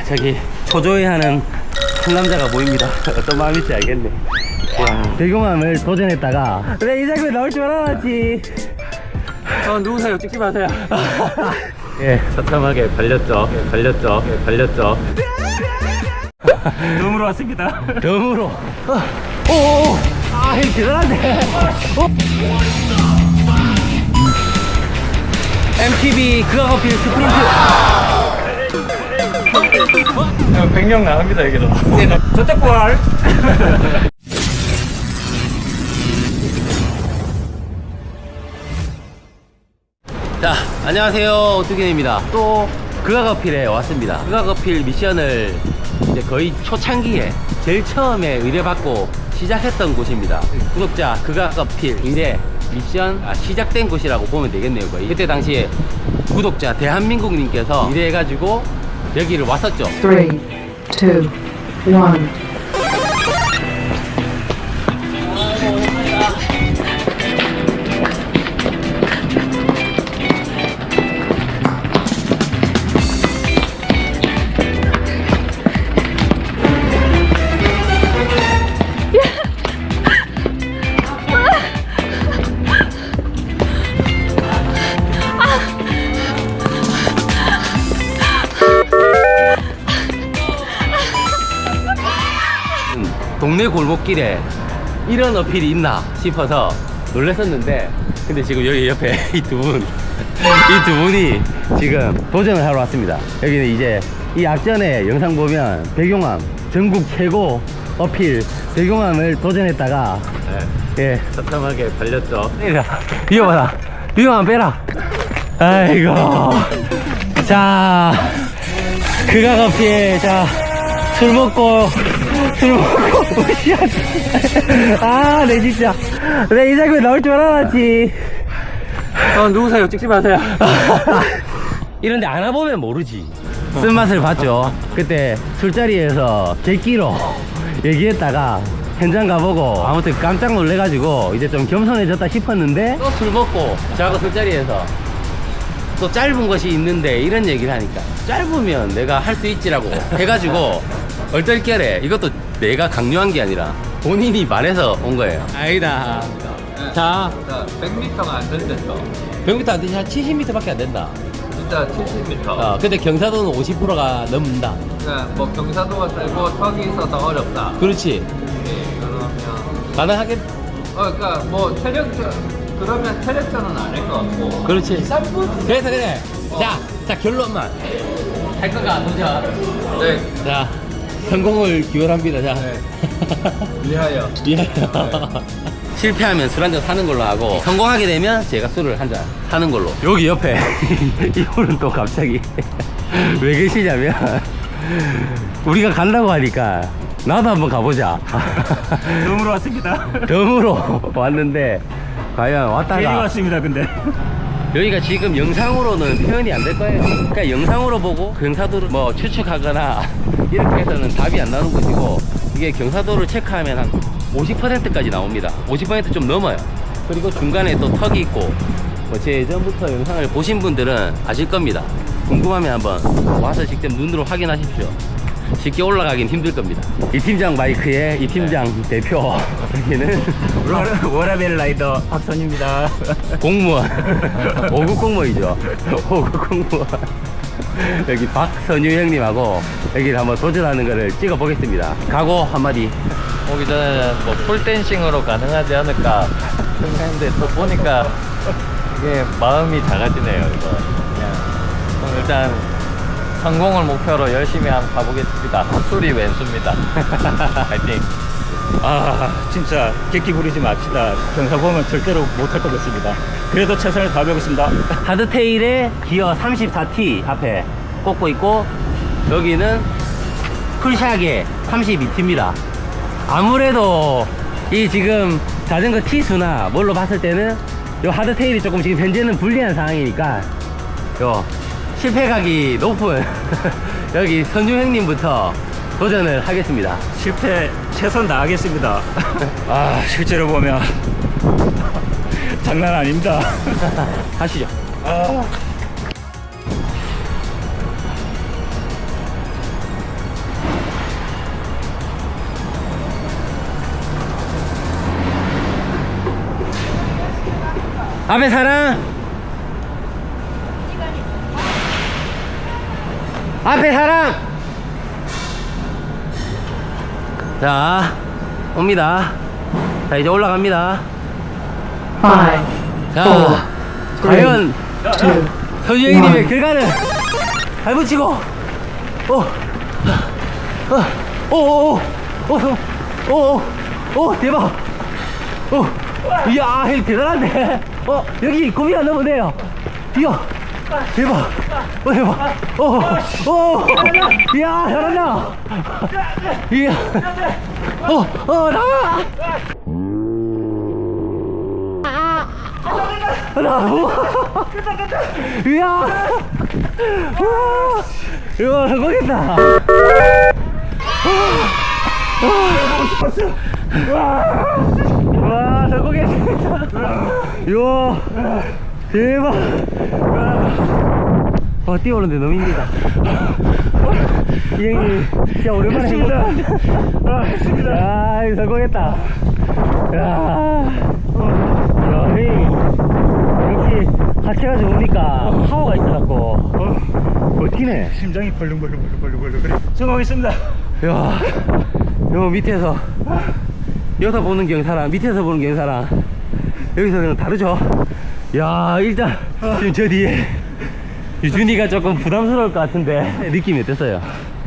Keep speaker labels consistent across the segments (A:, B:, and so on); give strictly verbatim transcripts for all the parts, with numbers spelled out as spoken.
A: 저기 초조해하는 한 남자가 보입니다. 어떤 마음일지 알겠네. 와, 배경함을 도전했다가 왜 이 장면 나올 줄 알았지. 어, 누구세요? 찍지 마세요. 예, 처참하게 발렸죠. 예, 발렸죠. 예, 발렸죠.
B: 덤으로 왔습니다.
A: 덤으로. 어, 오오오. 아, 이 대단한데. 어? 엠티비 그가거필 스프린트.
B: 백 명 나갑니다 여기도. 저쪽 볼.
A: 자, 안녕하세요. 오뚜기입니다. 또 그가거필에 왔습니다. 그가거필 미션을 이제 거의 초창기에 제일 처음에 의뢰받고 시작했던 곳입니다. 구독자 그가거필 의뢰 미션 아, 시작된 곳이라고 보면 되겠네요. 거의 그때 당시에 구독자 대한민국님께서 의뢰해가지고 여기를 왔었죠.
C: Three, two, one.
A: 동네 골목길에 이런 어필이 있나 싶어서 놀랐었는데, 근데 지금 여기 옆에 이 두 분, 이 두 분이 지금 도전을 하러 왔습니다. 여기는 이제 이 앞전에 영상 보면 백용암 전국 최고 어필 백용암을 도전했다가 네. 예, 처참하게 발렸죠. 빼라. 위험하다. 위험하면 빼라. 아이고. 자, 그가 어필. 자, 술 먹고 술 먹고 아, 내 진짜 내 이 장면 나올 줄 알았지.
B: 어, 누구세요? 찍지 마세요.
A: 이런데 안 와보면 모르지. 쓴맛을 봤죠. 그때 술자리에서 객기로 얘기했다가 현장 가보고 아무튼 깜짝 놀래가지고 이제 좀 겸손해졌다 싶었는데 또 술 먹고 저하고 술자리에서 또 짧은 것이 있는데 이런 얘기를 하니까 짧으면 내가 할 수 있지라고 해가지고 얼떨결에 이것도 내가 강요한 게 아니라 본인이 말해서 온 거예요. 아니다.
D: 네.
A: 자,
D: 자, 백 미터가 안 된댔어.
A: 백 미터 안 되지. 한 칠십 미터밖에 안 된다.
D: 진짜 칠십 미터.
A: 어, 근데 경사도는 오십 퍼센트가 넘는다.
D: 그러니까 뭐 경사도가 세고 턱이 있어서 어렵다.
A: 그렇지.
D: 네, 그러면
A: 가능하겠.
D: 어, 그러니까 뭐 체력전 그러면 체력전은 안 할 것 같고.
A: 그렇지. 그래서 그래. 자, 자 결론만. 할 거가 도전.
D: 네,
A: 자, 성공을 기원합니다. 자.
D: 네. 위하여.
A: 미안해요. 실패하면 술 한잔 사는 걸로 하고 성공하게 되면 제가 술을 한 잔 사는 걸로. 여기 옆에 이분은 또 갑자기 왜 계시냐면 우리가 간다고 하니까 나도 한번 가보자.
B: 덤으로 왔습니다.
A: 덤으로 왔는데 과연
B: 괜히
A: 왔다가
B: 왔습니다. 근데
A: 여기가 지금 영상으로는 표현이 안 될 거예요. 그러니까 영상으로 보고 경사도를 뭐 추측하거나 이렇게 해서는 답이 안 나오는 것이고, 이게 경사도를 체크하면 한 오십 퍼센트까지 나옵니다. 오십 퍼센트 좀 넘어요. 그리고 중간에 또 턱이 있고, 뭐 제 예전부터 영상을 보신 분들은 아실 겁니다. 궁금하면 한번 와서 직접 눈으로 확인하십시오. 쉽게 올라가긴 힘들 겁니다. 이 팀장 마이크에 이 팀장 네. 대표 여기는
B: 워라벨 라이더 박선입니다.
A: 공무원 오급 공무원이죠. 오급 공무원. 여기 박선유 형님하고 여기를 한번 도전하는 거를 찍어 보겠습니다. 각오 한마디.
D: 오기 전에는 뭐 풀댄싱으로 가능하지 않을까 생각했는데 또 보니까 이게 마음이 작아지네요. 이거 그냥 그럼 일단 성공을 목표로 열심히 한번 가보겠습니다. 술이 왼수입니다. 파이팅.
B: 아, 진짜 객기 부리지 맙시다. 경사 보면 절대로 못할 것 같습니다. 그래도 최선을 다해보겠습니다.
A: 하드테일에 기어 삼십사 티 앞에 꽂고 있고, 여기는 풀샥에 삼십이 티입니다. 아무래도 이 지금 자전거 T수나 뭘로 봤을 때는 요 하드테일이 조금 지금 현재는 불리한 상황이니까 요 실패각이 높은 여기 선유 형님부터 도전을 하겠습니다.
B: 실패 최선 다하겠습니다. 아, 실제로 보면 장난 아닙니다.
A: 하시죠.
B: 아.
A: 앞에 사람. 앞에 사람. 자, 옵니다. 자, 이제 올라갑니다.
C: Five,
A: 자,
C: four, three,
A: 과연
C: two,
A: 서주행님의
C: one.
A: 결과는 발 붙이고, 오, 어, 오, 오, 오, 오, 오, 오, 대박. 오, 이야, 대단한데. 어, 여기 고비가 넘어네요. 이야, 대박. 어, 대박. 오, 오, 이야, 잘한다. 이야, 어, 어, 나와. 나, 우와. 이야, 우와, 이야, 성공했다. 와, 성공했습니다. 이야, 대박. 와, 뛰어오는데 너무 힘들다. 이 형님, 진짜 오랜만에 해보다. 아, 이거 성공했다. 야, 야, 형님. 역시 하체가 좋으니까 파워가 있어갖고 버티네.
B: 심장이 벌렁벌렁벌렁벌렁 그래. 성공했습니다.
A: 야, 요 밑에서 여기서 보는 경사랑 밑에서 보는 경사랑 여기서 그냥 다르죠. 야, 일단 지금 저 뒤에 유준이가 조금 부담스러울 것 같은데 느낌이 어땠어요?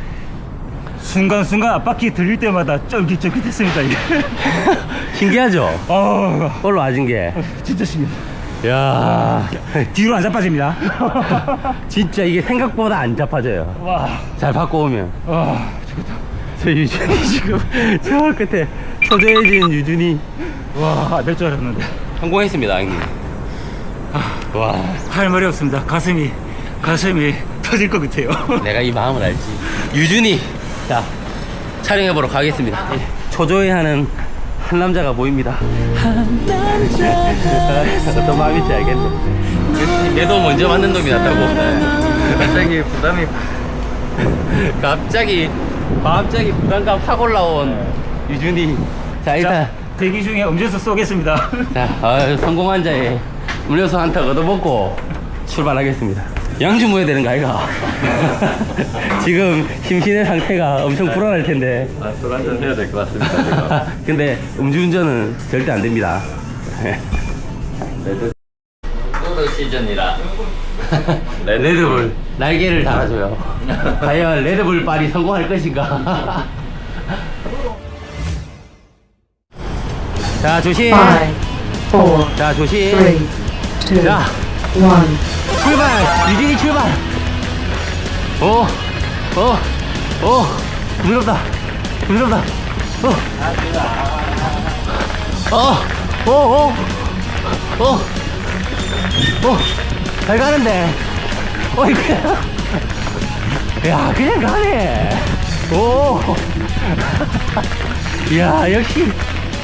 B: 순간순간 앞바퀴 들릴 때마다 쫄깃쫄깃했습니다. 이게.
A: 신기하죠?
B: 어,
A: 올라와준 게.
B: 진짜 신기해.
A: 야,
B: 뒤로 안 자빠집니다.
A: 진짜 이게 생각보다 안 잡아져요.
B: 와,
A: 잘 바꿔오면.
B: 아, 좋겠다.
A: 저 유준이 지금 저 끝에 초조해진 유준이.
B: 와, 될 줄 알았는데.
A: 성공했습니다, 형님. 와,
B: 할 말이 없습니다. 가슴이, 가슴이 터질 것 같아요.
A: 내가 이 마음을 알지. 유준이, 자, 촬영해보러 가겠습니다. 초조해하는 한 남자가 보입니다. 어떤 마음인지 알겠네. 내도 먼저 맞는 놈이 낫다고.
D: 갑자기 부담이
A: 갑자기, 갑자기 부담감 확 올라온 유준이. 자, 일단.
B: 자, 대기 중에 음료수 쏘겠습니다.
A: 자, 어, 성공한 자에 음료수 한 턱 얻어먹고 출발하겠습니다. 양주 모여야 되는 거 아이가? 지금 심신의 상태가 엄청 불안할 텐데.
D: 아, 술 한잔 해야 될 것 같습니다. 지금.
A: 근데 음주운전은 절대 안 됩니다.
D: 레드 시즌이라
A: 레드불 날개를 달아줘요. 과연 레드불 빨이 성공할 것인가? 자, 조심.
C: Five, four,
A: 자, 조심.
C: three, two,
A: 자,
C: one.
A: 출발! 유진이 출발! 오, 오, 오, 부드럽다. 부드럽다. 어, 어, 오, 오, 오, 오, 잘 가는데. 어, 이거. 야, 그냥 가네. 오, 야, 역시.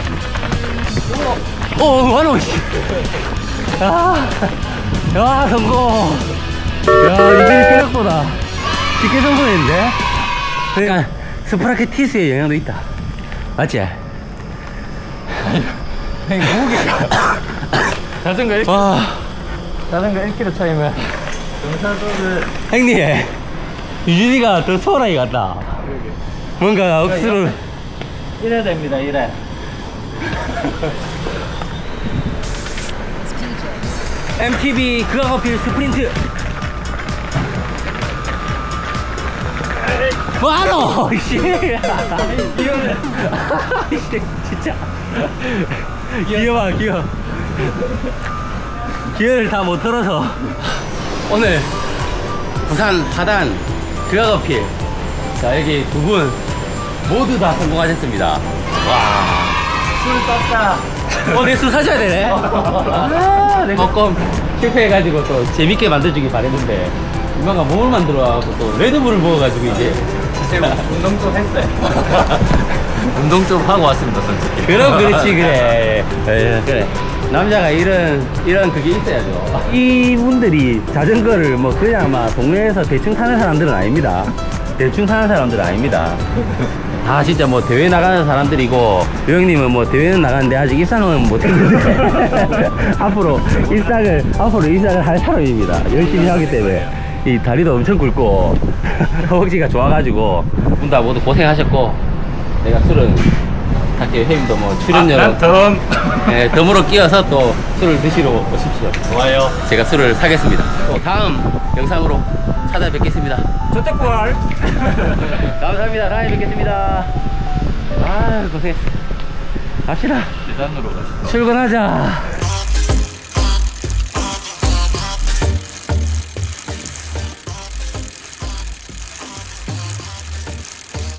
A: 오, 완호, 씨. 아, 야, 성공. 야, 이게 생각보다 쉽게 성공했는데? 그러니까 스프라켓 티스의 영향도 있다. 맞지?
D: 형님 무게 자전거 일
A: 와,
D: 자전거 일 킬로미터 차이면 경사도를
A: 형님, 유진이가 더 소홀하게 갔다. 뭔가 억수로.
D: 이래 됩니다. 이래.
A: 엠티비 그악어필 스프린트. 와노! 씨. 이거는. 진짜. 귀여워, 귀여워. 기어를 다 못 털어서. 오늘 부산 하단 그악어필. 자, 여기 두 분 모두 다 성공하셨습니다. 와.
D: 술 떴다.
A: 어, 내 술 사줘야 되네. 아, 내가 조금 실패해가지고 또 재밌게 만들어주길 바랬는데, 이만가 몸을 만들어가지고 또 레드불을 먹어가지고 이제.
D: 제가 운동 좀 했어요. 운동 좀 하고 왔습니다, 솔직히.
A: 그럼 그렇지, 그래. 에, 그래. 남자가 이런, 이런 그게 있어야죠. 이분들이 자전거를 뭐 그냥 막 동네에서 대충 타는 사람들은 아닙니다. 대충 사는 사람들은 아닙니다. 다 진짜 뭐 대회 나가는 사람들이고, 유 형님은 뭐 대회는 나가는데 아직 일상은 못했는데 앞으로 일상을 앞으로 일상을 할 사람입니다. 열심히 하기 때문에 이 다리도 엄청 굵고 허벅지가 좋아가지고 분 다 모두 고생하셨고, 내가 술은 딱히 형님도 뭐 출연료로
B: 아, 난 덤.
A: 네, 덤으로 끼워서 또 술을 드시러 오십시오.
D: 좋아요.
A: 제가 술을 사겠습니다. 또 다음 영상으로 찾아뵙겠습니다.
B: 저택벌.
A: 감사합니다. 다음에 뵙겠습니다. 아, 고생했어. 갑시다.
D: 계단으로 가시죠.
A: 출근하자.